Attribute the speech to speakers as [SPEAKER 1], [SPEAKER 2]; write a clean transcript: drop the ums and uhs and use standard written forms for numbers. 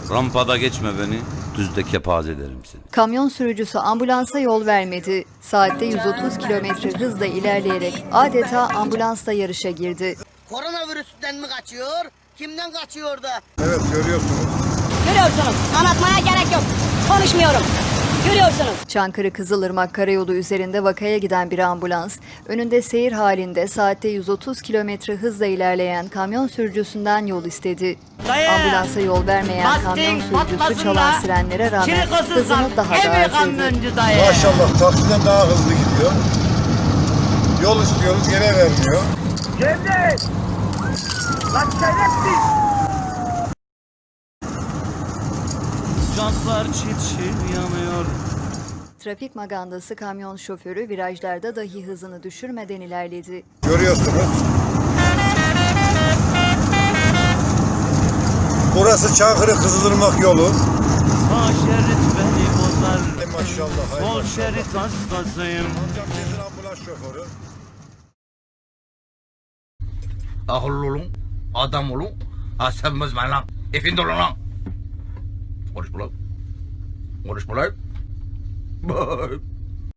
[SPEAKER 1] Rampada geçme beni, düzde kepaz ederim seni.
[SPEAKER 2] Kamyon sürücüsü ambulansa yol vermedi. Saatte 130 kilometre hızla ilerleyerek adeta ambulansla yarışa girdi.
[SPEAKER 3] Koronavirüsten mi kaçıyor? Kimden kaçıyor da?
[SPEAKER 4] Evet, görüyorsunuz.
[SPEAKER 5] Görüyorsunuz. Anlatmaya gerek yok. Konuşmuyorum. Görüyorsunuz.
[SPEAKER 2] Çankırı Kızılırmak Karayolu üzerinde vakaya giden bir ambulans, önünde seyir halinde saatte 130 kilometre hızla ilerleyen kamyon sürücüsünden yol istedi. Ambulansa yol vermeyen kamyon sürücüsü çalan sirenlere rağmen hızını daha da artırdı.
[SPEAKER 4] Maşallah taksiden daha hızlı gidiyor. Yol istiyoruz, gene vermiyor.
[SPEAKER 1] Jantlar çil çil yanıyor.
[SPEAKER 2] Trafik magandası kamyon şoförü virajlarda dahi hızını düşürmeden ilerledi.
[SPEAKER 4] Görüyorsunuz. Burası Çankırı Kızılırmak yolu.
[SPEAKER 1] Sağ şerit beni bozar.
[SPEAKER 4] Hay maşallah. Hay
[SPEAKER 1] Sol
[SPEAKER 4] maşallah.
[SPEAKER 1] şerit hastasıyım.
[SPEAKER 4] Amcam nedir ambulans şoförü?
[SPEAKER 6] Akıllı olun, adam olun, asabımı bozmayın lan. Efendi olun lan. Konuşma lan. Konuşma lan.